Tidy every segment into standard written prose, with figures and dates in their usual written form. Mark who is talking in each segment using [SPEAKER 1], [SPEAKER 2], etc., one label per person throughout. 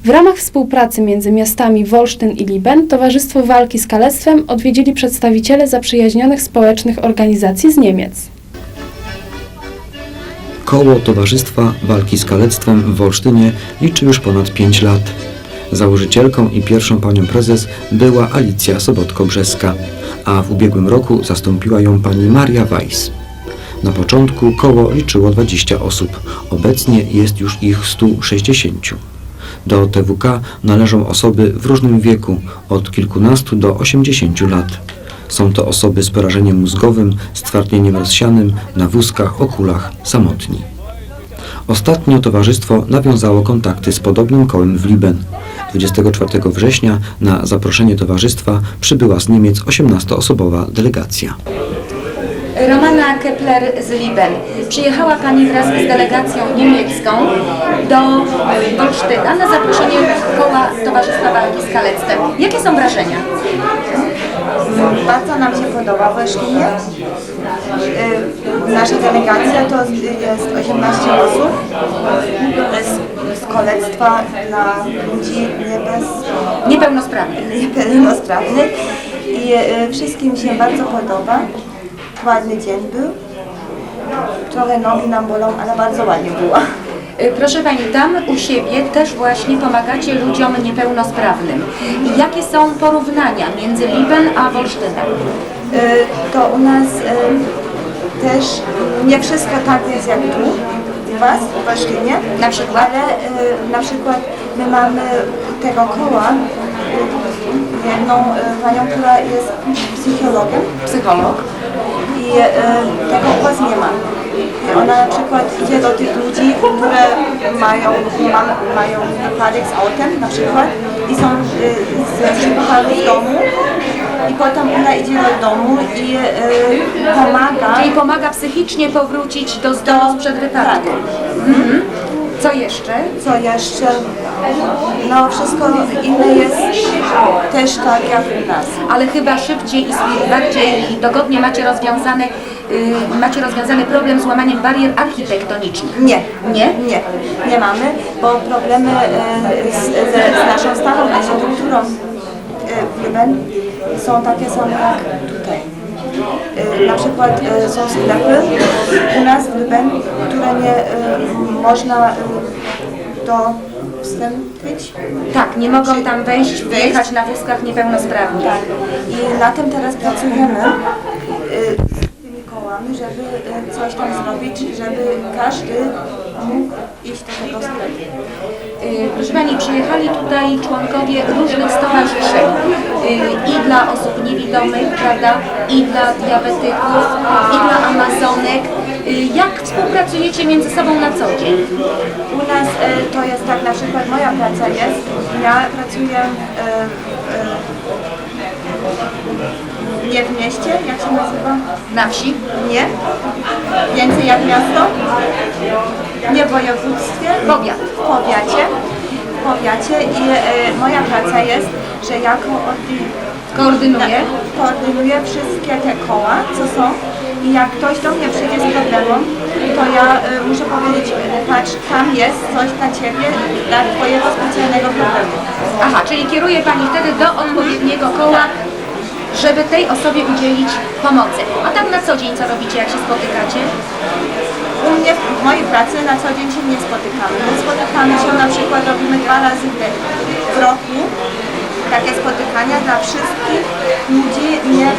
[SPEAKER 1] W ramach współpracy między miastami Wolsztyn i Liben Towarzystwo Walki z Kalectwem odwiedzili przedstawiciele zaprzyjaźnionych społecznych organizacji z Niemiec.
[SPEAKER 2] Koło Towarzystwa Walki z Kalectwem w Wolsztynie liczy już ponad 5 lat. Założycielką i pierwszą panią prezes była Alicja Sobotko-Brzeska, a w ubiegłym roku zastąpiła ją pani Maria Weiss. Na początku koło liczyło 20 osób, obecnie jest już ich 160. Do TWK należą osoby w różnym wieku, od kilkunastu do 80 lat. Są to osoby z porażeniem mózgowym, stwardnieniem rozsianym, na wózkach, o kulach, samotni. Ostatnio towarzystwo nawiązało kontakty z podobnym kołem w Liben. 24 września na zaproszenie towarzystwa przybyła z Niemiec 18-osobowa delegacja.
[SPEAKER 3] Romana Kepler z Liben. Przyjechała Pani wraz z delegacją niemiecką do Wolsztyna na zaproszenie koła Towarzystwa Walki z Kalectwem. Jakie są wrażenia?
[SPEAKER 4] Bardzo nam się podoba w Olsztynie. Nasza delegacja to jest 18 osób z kolectwa dla ludzi niepełnosprawnych i wszystkim się bardzo podoba. Ładny dzień był. Trochę nogi nam bolą, ale bardzo ładnie było.
[SPEAKER 3] Proszę Pani, tam u siebie też właśnie pomagacie ludziom niepełnosprawnym. I jakie są porównania między Liben a Wolsztynem?
[SPEAKER 4] To u nas też nie wszystko tak jest jak tu, u Was, w Olsztynie.
[SPEAKER 3] Na przykład?
[SPEAKER 4] Ale na przykład my mamy tego koła jedną panią, która jest psychologiem.
[SPEAKER 3] Psycholog.
[SPEAKER 4] I tego u Was nie ma. I ona na przykład idzie do tych ludzi, które mają wypadek z autem na przykład i są ze szpitalu w domu i potem ona idzie do domu i pomaga.
[SPEAKER 3] Czyli pomaga psychicznie powrócić do zdrowiu sprzed wypadku. Tak. Mhm. Co jeszcze?
[SPEAKER 4] Co jeszcze? No wszystko inne jest też tak jak u nas.
[SPEAKER 3] Ale chyba szybciej i bardziej dogodnie macie rozwiązany problem z łamaniem barier architektonicznych.
[SPEAKER 4] Nie mamy, bo problemy z naszą starą architekturą w Liben są takie same jak tutaj. Na przykład są sklepy u nas w Liben, które nie można wstąpić.
[SPEAKER 3] Tak, nie mogą tam wejść, wyjechać na wózkach niepełnosprawni.
[SPEAKER 4] Tak. I na tym teraz pracujemy z tymi kołami, żeby coś tam zrobić, żeby każdy mógł iść do tego sklepu.
[SPEAKER 3] Proszę Pani, przyjechali tutaj członkowie różnych stowarzyszeń i dla osób niewidomych, prawda, i dla diabetyków, i dla amazonek. Jak współpracujecie między sobą na co dzień?
[SPEAKER 4] U nas to jest tak, na przykład moja praca jest, ja pracuję nie w mieście, jak się nazywa?
[SPEAKER 3] Na wsi?
[SPEAKER 4] Nie. Więcej jak miasto? Nie w województwie?
[SPEAKER 3] Powiat.
[SPEAKER 4] W powiacie i moja praca jest, że ja koordynuję wszystkie te koła, co są i jak ktoś do mnie przyjdzie z problemem, to ja muszę powiedzieć, patrz, tam jest coś dla Ciebie, dla Twojego specjalnego problemu.
[SPEAKER 3] Aha, czyli kieruje Pani wtedy do odpowiedniego koła, żeby tej osobie udzielić pomocy. A tak na co dzień co robicie, jak się spotykacie?
[SPEAKER 4] U mnie w mojej pracy na co dzień się nie spotykamy. My spotykamy się, na przykład robimy 2 razy w roku takie spotykania dla wszystkich ludzi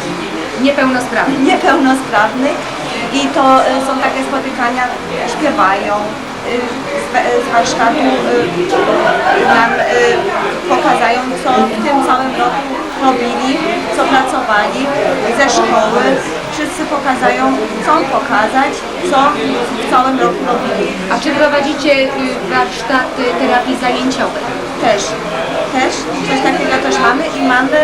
[SPEAKER 4] niepełnosprawnych i to są takie spotykania, śpiewają, z warsztatu nam pokazują, co w tym całym roku robili, co pracowali, ze szkoły. Wszyscy pokazują, chcą pokazać, co w całym roku robili.
[SPEAKER 3] A czy prowadzicie warsztaty terapii zajęciowej?
[SPEAKER 4] Też. Coś takiego też mamy i mamy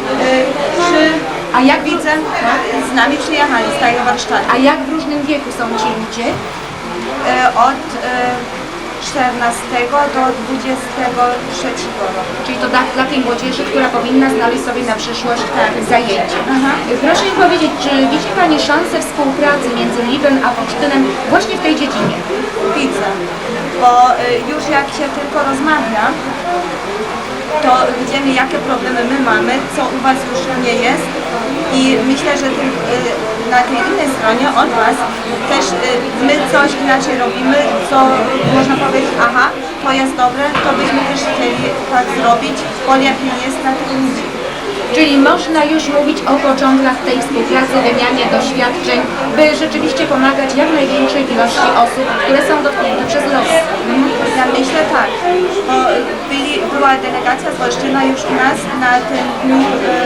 [SPEAKER 3] A jak
[SPEAKER 4] widzę, z nami przyjechali z tego warsztatu.
[SPEAKER 3] A jak w różnym wieku są ci ludzie?
[SPEAKER 4] Od 14 do 23 roku.
[SPEAKER 3] Czyli to dla tej młodzieży, która powinna znaleźć sobie na przyszłość zajęcie.
[SPEAKER 4] Aha.
[SPEAKER 3] Proszę mi powiedzieć, czy widzi Pani szansę współpracy między Libem a Wolsztynem właśnie w tej dziedzinie?
[SPEAKER 4] Widzę, bo już jak się tylko rozmawia, to widzimy, jakie problemy my mamy, co u Was już nie jest i myślę, że na tej innej stronie od Was też my coś inaczej robimy, co można powiedzieć, aha, to jest dobre, to byśmy też chcieli tak zrobić, bo lepiej jest dla tych ludzi.
[SPEAKER 3] Czyli można już mówić o początkach tej współpracy, wymianie doświadczeń, by rzeczywiście pomagać jak największej ilości osób, które są dotknięte przez los.
[SPEAKER 4] Ja myślę tak, bo była delegacja z Wolsztyna już u nas na tym dniu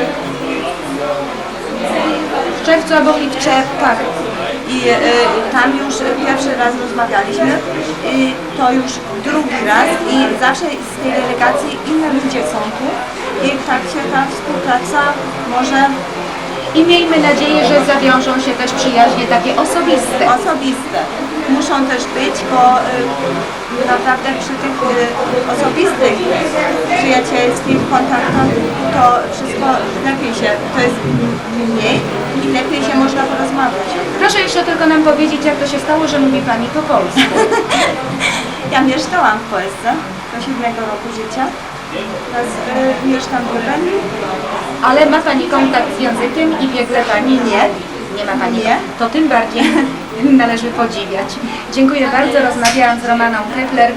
[SPEAKER 3] W czerwcu albo w lipcu.
[SPEAKER 4] tak. I tam już pierwszy raz rozmawialiśmy i to już drugi raz i zawsze z tej delegacji inne ludzie są tu i tak się ta współpraca może
[SPEAKER 3] I miejmy nadzieję, że zawiążą się też przyjaźnie takie osobiste.
[SPEAKER 4] osobiste. Muszą też być, bo naprawdę przy tych osobistych, przyjacielskich kontaktach to wszystko lepiej się, to jest mniej i lepiej się można porozmawiać.
[SPEAKER 3] Proszę jeszcze tylko nam powiedzieć, jak to się stało, że mówi Pani po polsku.
[SPEAKER 4] Ja mieszkałam w Polsce do 7 roku życia. Teraz mieszkam w Lubeniu.
[SPEAKER 3] Ale ma Pani kontakt z językiem i wie, że Pani
[SPEAKER 4] Nie.
[SPEAKER 3] nie ma Pani.
[SPEAKER 4] Nie.
[SPEAKER 3] To tym bardziej należy podziwiać. Dziękuję bardzo. Rozmawiałam z Romaną Kepler.